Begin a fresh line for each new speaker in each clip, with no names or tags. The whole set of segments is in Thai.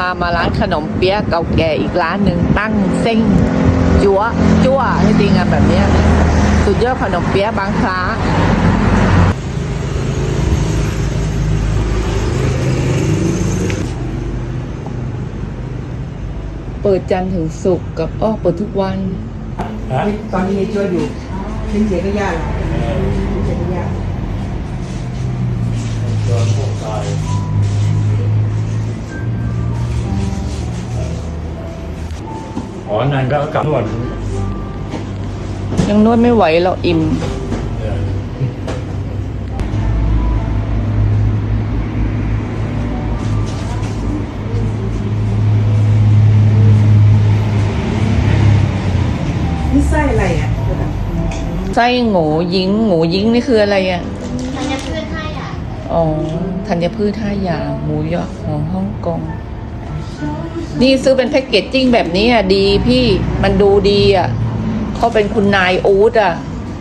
ามาร้านขนมเปี๊ยะเก่าแก่อีกร้านหนึ่งตั้งเส้งจั๊วจั่วให้ดีงานแบบนี้สุดยอดขนมเปี๊ยะบางคล้าเปิดจันทร์ถึงศุกร์กับเปิดทุกวัน
ตอนนี้ช่วยอยู่ทิ้งเสียก็ยากทิ้งเสียก็ยาก
โดนพวกตายนั่นก็กลับนวด
ยังนวดไม่ไหวเราอิ่ม
นี่ไส้อะไรอ่ะ
ไส้หงูยิงนี่คืออะไรอ่ะ
ธัญพืช5 อย่าง
ธัญพืช5 อย่างหมูยอของฮ่องกงนี่ซื้อเป็นแพ็กเกจจิ้งแบบนี้อ่ะดีพี่มันดูดีอ่ะเขาเป็นคุณนายอู๊ดอ่ะ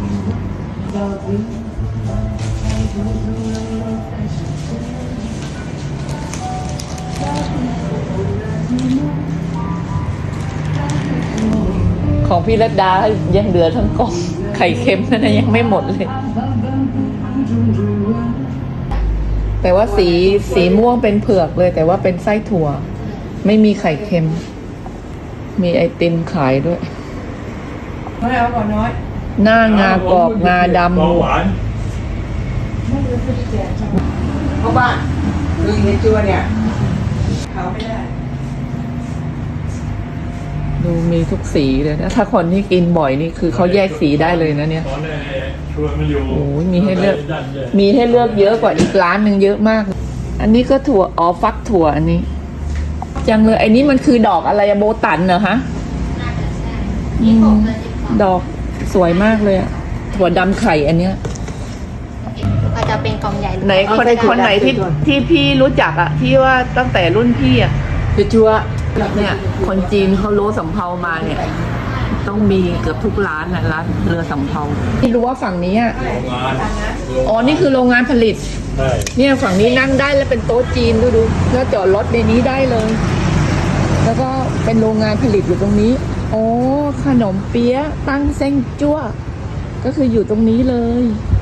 ของพี่รัตดายังเหลือทั้งกล่องไข่เค็มนั่นนะยังไม่หมดเลยแต่ว่าสีม่วงเป็นเผือกเลยแต่ว่าเป็นไส้ถั่วไม่มีไข่เค็มมีไอติมขายด้วย
น้อยเอาก่อนน้อย
หน้างากรอบงาดำ
หวาน
เพราะว่าคือในจัวเนี่ยเขาไม่ได้
ดูมีทุกสีเลยนะถ้าคนที่กินบ่อยนี่คือเขาแยกสีได้เลยนะเนี่ย
ชวนมาอยู่
โอ้ยมีให้เลือกเยอะกว่าอีกร้านหนึ่งเยอะมากอันนี้ก็ถั่วฟักถั่วอันนี้จังเลยอันนี้มันคือดอกอะไรโบตันเหรอฮะ
น่าจะใช่
ดอกสวยมากเลยอะถั่วดำไข่อันเนี้ย
อาจจะเป็นกล่องใหญ่
ไหนคนไหนที่พี่รู้จักอะที่ว่าตั้งแต่รุ่นพี่อะ
คือจัว
เนี่ยคนจีนเขาโลสำเภามาเนี่ยต้องมีเกือบทุกร้านนะร้านเรือสำเภาที่รู้ว่าฝั่งนี้
โรงงาน
นี่คือโรงงานผลิตเนี่ยฝั่งนี้นั่งได้แล้วเป็นโต๊ะจีนดูแล้วจอดรถในนี้ได้เลยแล้วก็เป็นโรงงานผลิตอยู่ตรงนี้ขนมเปี๊ยะตั้งเส้งจั่วก็คืออยู่ตรงนี้เลย